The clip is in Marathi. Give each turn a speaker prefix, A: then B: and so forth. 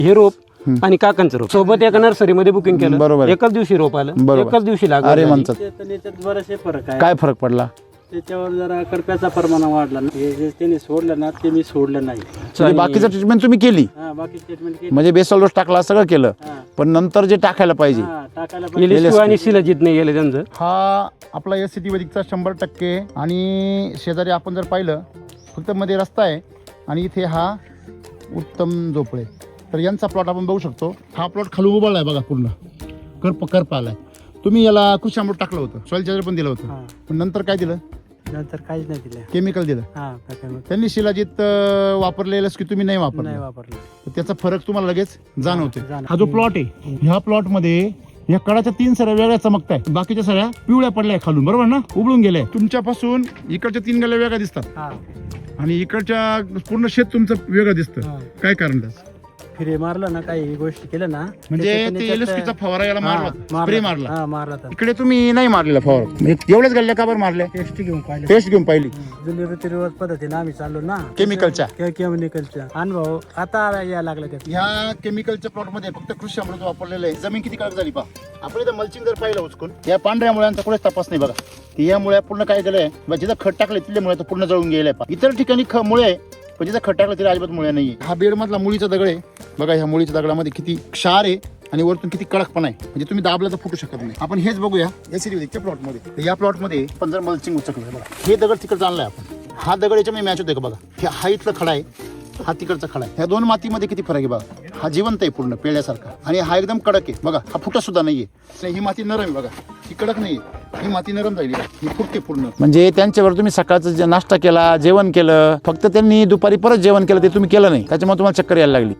A: हे रोप आणि काकांचं रोप सोबत एका नर्सरीमध्ये बुकिंग केलं.
B: बरोबर.
A: एकाच दिवशी रोप आलं,
B: बरोबर.
A: एकाच दिवशी लागवड
B: अरे
A: झाली.
B: म्हणतात
C: त्याच्यात बरेचसे फरक आहे.
B: काय फरक पडला?
C: त्याच्यावर जरा करप्याचा प्रमाण वाढला ना. हे जे त्यांनी सोडलं ना ते मी सोडलं नाही.
B: म्हणजे बाकीचं ट्रीटमेंट तुम्ही केली,
C: हा, बाकी स्टेटमेंट केली.
B: म्हणजे बेसल डोस टाकला, सगळं केलं,
C: हा,
B: पण नंतर जे टाकायला पाहिजे
C: हा, टाकायला
A: LSQ आणि शिलाजीत नाही गेले त्यांचं.
B: हा आपला एस सी टी वैदिकचा 100% आणि शेजारी आपण जर पाहिलं फक्त मध्ये रस्ता आहे आणि इथे हा उत्तम झोपळे. तर यांचा प्लॉट आपण बघू शकतो. हा प्लॉट खाली उभारला आहे बघा, पूर्ण करप आलाय. तुम्ही याला कृषी अमृत टाकलं होतं, सॉइल चार्जर पण दिलं होतं,
C: हा.
B: पण नंतर काय दिलं?
C: नंतर काहीच नाही दिलं.
B: केमिकल दिलं.
C: हा, टाकायला
B: त्यांनी शिलाजीत वापरलेलं की तुम्ही नाही
C: नाही
B: वापरलं,
C: वापरलं.
B: तर त्याचा फरक तुम्हाला लगेच जाणवतोय.
C: जाणवतं.
B: हा जो प्लॉट आहे, ह्या प्लॉट मध्ये या कडाच्या 3 सऱ्या वेगळ्या चमकताय, बाकीच्या सऱ्या पिवळ्या पडल्या खालून, बरोबर ना, उबळून गेल्या. तुमच्यापासून इकडच्या 3 गल्या वेगळ्या दिसतात
C: हा,
B: आणि इकडच्या पूर्ण शेत तुमचं वेगळं दिसतं.
C: हा.
B: काय कारण त्याचं?
C: फिरे मारलं ना, काही गोष्टी केल्या ना,
B: म्हणजे
C: त्याच्यातून
B: ते
C: याच्यात-
B: LSP चा फवारा याला
C: हा,
B: मारला, स्प्रे मारला.
C: हा, मारला तर
B: इकडे तुम्ही नाही मारलेला फवारा, एवढ्याच गल्ल्या का बरं मारल्या?
C: टेस्ट घेऊन पाहिलं.
B: टेस्ट घेऊन पाहिली
C: जुनी रीतिरिवाज पद्धतीने आम्ही चाललो ना
B: केमिकलच्या.
C: केमिकलच्या अनुभव आता यायला लागला त्यात.
B: ह्या केमिकलच्या प्लॉट मध्ये फक्त कृषी अमृत वापरलेलं आहे. जमीन किती कडक झाली पहा. आपण इथं मल्चिंग जर पाहिलं उचकून, या पांढऱ्या मुळ्यांचा कुठेच तपास नाही बघा. की या मुळ्या पूर्ण काय केलंय, जिथं खत टाकले तिथले मुळे तर पूर्ण जळून गेले पहा. इतर ठिकाणी मुळे आहे, पण जिथं खत टाकलं तिथे अजिबात मुळे नाहीये. हा बेड मधला मुळीचा दगड आहे बघा. ह्या मुळीच्या दगडामध्ये किती क्षार आहे आणि वरतून किती कडकपणा आहे, म्हणजे तुम्ही दाबला तर फुटू शकत नाही. आपण हेच बघूया एसीडीच्या प्लॉट मध्ये. या प्लॉट मध्ये पण जर मल्चिंग उचकलं बघा, हे दगड तिकडे आणलाय आपण. हा दगड याच्यामध्ये मॅच होतोय का बघा. हा इथला खडा आहे, हा तिकडचा खडा आहे. ह्या दोन मातीमध्ये किती फरक आहे बघा. हा जिवंत आहे पूर्ण पेळ्यासारखा आणि हा एकदम कडक आहे बघा. हा फुटत सुद्धा नाहीये. ही माती नरम आहे बघा, ही कडक नाहीये, ही माती नरम झाली, ही फुटते पूर्ण. म्हणजे त्यांच्यावर तुम्ही सकाळचं नाश्ता केला, जेवण केलं, फक्त त्यांनी दुपारी परत जेवण केलं, ते तुम्ही केलं नाही, त्याच्यामुळे तुम्हाला चक्कर यायला लागली.